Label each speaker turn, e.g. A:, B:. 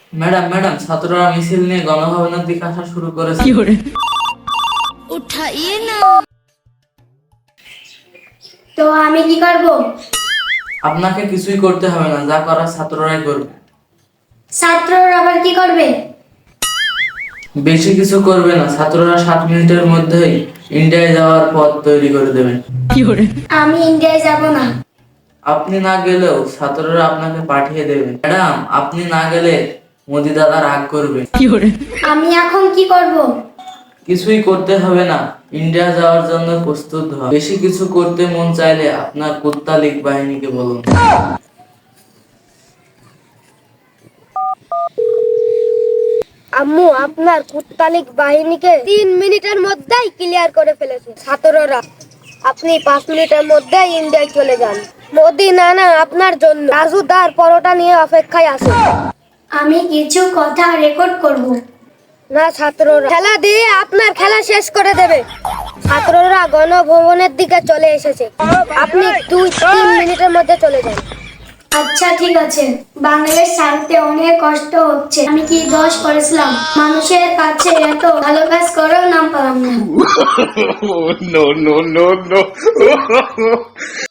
A: Madam madam, ছাত্ররা মিছিল নিয়ে গণভবনের দিকে আসা শুরু করেছে।
B: उठाइए ना।
C: তো আমি কি করব?
A: আপনাকে কিছুই করতে হবে না, যা করার ছাত্ররাই করবে।
C: ছাত্ররা আবার কি করবে?
A: বেশি কিছু করবে না, ছাত্ররা 7 মিনিটের মধ্যেই ইন্ডিয়ায় যাওয়ার পথ তৈরি করে দেবে।
C: আমি ইন্ডিয়ায় যাব না।
A: আপনি না গেলেও ছাত্ররা আপনাকে পাঠিয়ে দেবে। ম্যাডাম, আপনি না গেলে মোদি দাদা রাগ করবে।
C: আমি এখন কি করব?
A: কিছুই করতে হবে না, ইন্ডিয়া যাওয়ার জন্য প্রস্তুত হন। বেশি কিছু করতে মন চাইলে আপনার কুত্তা লীগ বাহিনীকে বলুন।
D: আম্মু, আপনার কুত্তালিক বাহিনীকে 3 মিনিটের মধ্যেই ক্লিয়ার করে ফেলেছে ছাত্ররা। আপনি 5 মিনিটের মধ্যেই ইন্ডিয়ায় চলে যান। মোদি নানা আপনার জন্য রাজুদার পরোটা নিয়ে অপেক্ষায় আছে।
C: আমি কিছু কথা রেকর্ড করব।
D: না, ছাত্ররা খেলা দিয়ে আপনার খেলা শেষ করে দেবে। ছাত্ররা গণভবনের দিকে চলে এসেছে। আপনি 2-3 মিনিটের মধ্যে চলে যান।
C: আচ্ছা ঠিক আছে। বাংলাদেশ ছাড়তে অনেক কষ্ট হচ্ছে। আমি কি দোষ করেছিলাম? মানুষের কাছে এত ভালো কাজ করেও নাম পেলাম না।
E: No, no, no, no.